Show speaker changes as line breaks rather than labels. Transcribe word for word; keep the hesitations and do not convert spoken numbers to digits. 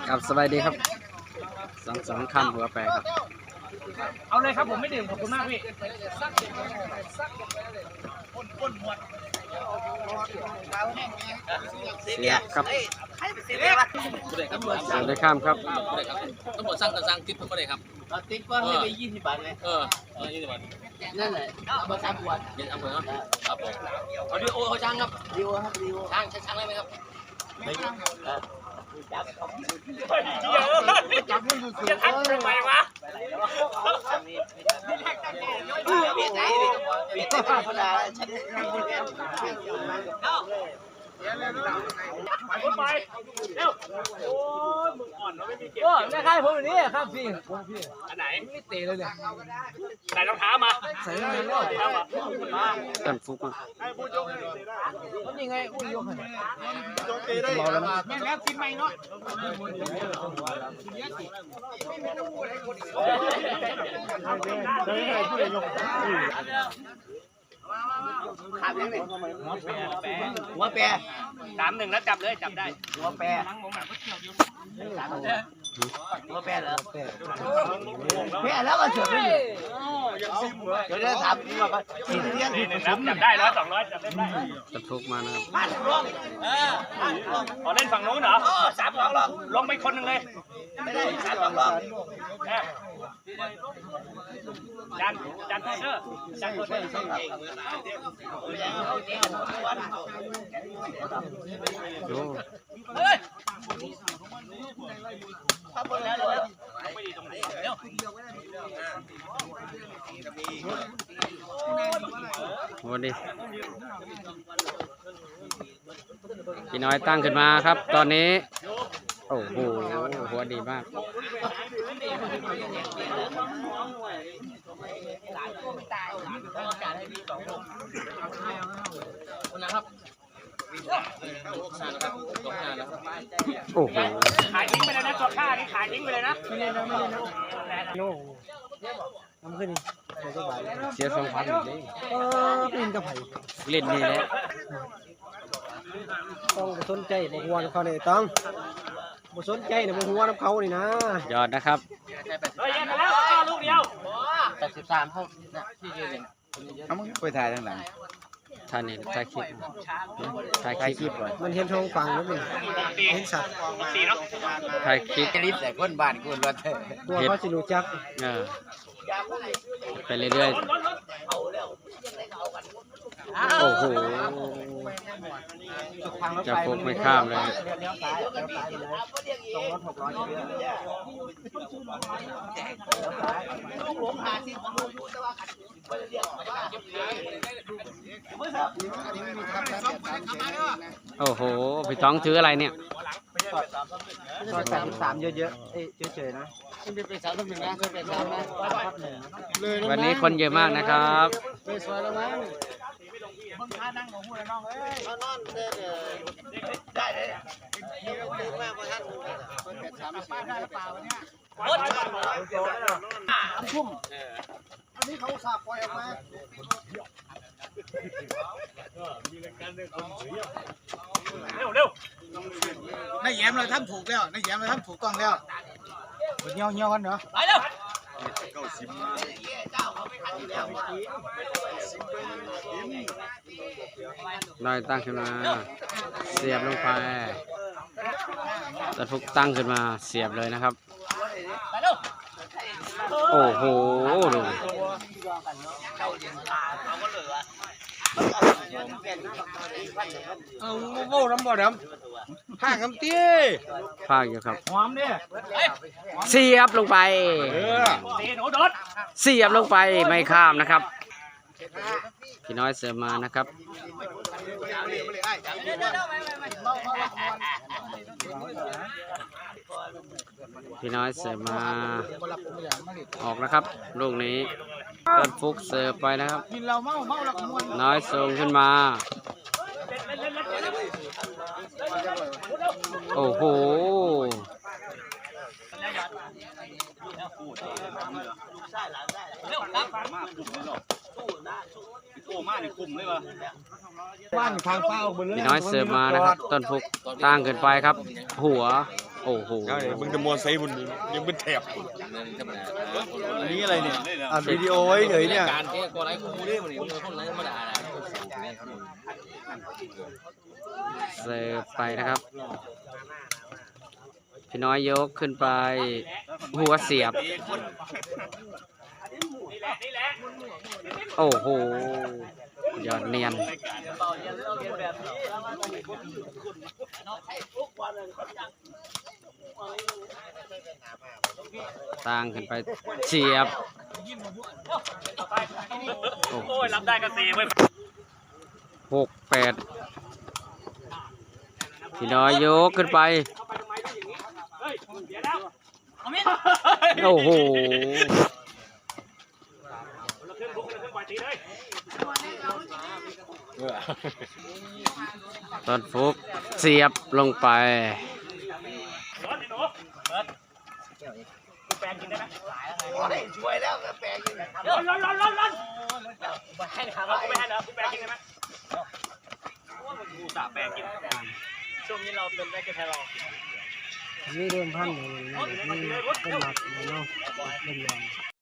ครับสบายดีครับสองสองคำหัวแปรครับ
เอาเลยครับผมไม่ดื่มขอบคุณมากพี่
เสียครับเสียได้ข้ามครับ
ต้องหมดสร้างก็สร้างติ๊บก็ได้ครับ
ติ๊กก็ให้ไปยี่สิบบาทเลย
เออเออยี่สิบบาท
นั่นแหละเอามาสามขวด
เย็นเอาไปเนาะครับผมเอาดิโอเขาช่างครับ
ดิโอครับดิโอ
ช่างช่างได้ไหมครับ
ไม่จับ
จับมือสุดๆจะทักทำไมวะ
เบียดไหนเบียดธรรมดาฉันไม่พูดแล้ว
ไปเร็วโอ้มึงอ่อนเนาะไม่มีเก็บ
โอ้ไม่ใช่ผมแบบนี้ครับพี่ผมพี่
อันไหน
ไม่เตะเลยเนี่ย
ใส่รองเท้ามา
ใส่รองเท้ามา
ต้นฟุกมา
มันยังไงอุ้ยยกให้
เมาแล้วนะ
แม่แล้วกินไหมเนาะขาดยังไงหัวแปร
สามหนึ่งแล้วจับเลยจับได้
หัวแปรหัวแปรเหรอแปรแล้วก็เฉยเลยเดี๋ยวจะถามว่าก็ฉีดเลี้ยง
จับได้ร้อยสองร้อยจับได้ได้
ต้นฟุกมานะครับ
อ๋อเล่นฝั่งนู้นเหรอ
สามสองลอง
ลงไปคนหนึ่งเลย
ไม่ได้สามสองลอง
จานจานโทษเด้อจานโทษเด้อ
ดู
เฮ้ย
ถ้าเปิดแล้วเลย
ไม่ดีตรงไหนเร็ว
วันนี้พี่น้อยตั้งขึ้นมาครับตอนนี้โอ้โหหัวดีมากโอ้โห
ขายทิ้งไปเลยนะตัวข้านี่ขายทิ้งไปเลยนะ
ไม่เล่นนะไม่เล่นนะโน่ทำขึ้นนี่
เสียสองพันเลย
เออเป็นกระไผ่
เล่นนี่แหละ
ต้องสนใจบหัวเขาเนี่ยต้องบ่สนใจเนี่ยบหัวน้ำเขานี่นะ
ยอดนะครับ
เฮ้ยแยกกันแล้วลูกเดียว
แปดสิบสามเท่าที่ยืน
เอามึงไปถ่ายทางหลัง
ท่านนี่ถ่ายคลิปถ่ายคลิปก่อน
มันเห็นทองฟังแล้วมันเห็นสัตว์
สีเนาะ
ถ่ายคลิป
รีบแต่คนบ้านคนรถ
ตัวเขาสิรู้จัก
เออไปเรื่อยๆโอ้โหจะฟุกไม่ข้ามเลยโอ้โหพี่ท้องถืออะไรเนี่ย
ซอยสามสามเยอะๆเอ้ยเฉยๆนะเป็นสามหนึ่งนะเป็นสามนะ
วันนี้คนเยอะมากนะครับ
เป็นซอยแล้วมั้งมึงพานั่งของหูแล้วน้องเอ้ยนอนเด้อได้เลยเดี๋ยวตื่นมาบ่ทันเป็นสามป้าได้หรือเปล่าเนี่ยทุ่มอันนี้เขาสาบปล่อยออกมา
เร็วเร็ว
นายแย้มเราทำถูกแล้วนายแย้มเราทำถูกต้องแล้วเงี้ยวเงี้ยวกันเหรอ
ไปเร็ว
น้อยตั้งขึ้นมาเสียบลงไปต้นฟุกตั้งขึ้นมาเสียบเลยนะครับโอ้โหดู
เอาโง่น้ำบ่อดำผ้าคำตี้
ภาคอยู่ครับ
หอมเนี่ย
เสียบลงไปเสียบลงไปไม่ข้ามนะครับพี่น้อยเสิร์ฟมานะครับพี่น้อยเสิร์ฟมาออกนะครับลูกนี้ต้นฟุกเสิร์ฟไปนะครับน้อยส่งขึ้นมาโอ้โห
บ้านทางเป้าบนเรือ
พี่น้อยเสิร์ฟมานะครับต้นฟุกตั้งเกินไปครับหัวโอ้โห
มึงจะมอไซค์บุญยังเป็นแถบ
อันนี้อะไรเนี่ยอัดวิดีโอไว้เฉยเนี่ย
การแก้กอะไรกูได้มันนี่มึงคนไหนมาด่า
เสิร์ฟไปนะครับ พี่น้อยยกขึ้นไป หัวเสียบ โอ้โหยอดเนียน ตั้งขึ้นไปเฉียบ
โอ้ยรับได้ก็ตีไว้
หกแปดพี่น้อยยกขึ้นไป โอ้โหตอนฟุกเสียบลงไป
แปลงกินได้ไหม
ช่วยแล้วแปลง
ร้อนร้อนร้อนร้อนร้อนไม่ให้ถามว่ากูไม่ให้แล้วกูแปลงกินได้ไหมกูสาแปลงกินช่วงนี้เราเป็นได้แค่แค่รอ
นี่เริ่มพันเลยนี่เป็นหมักเลยเนาะเป็นยอง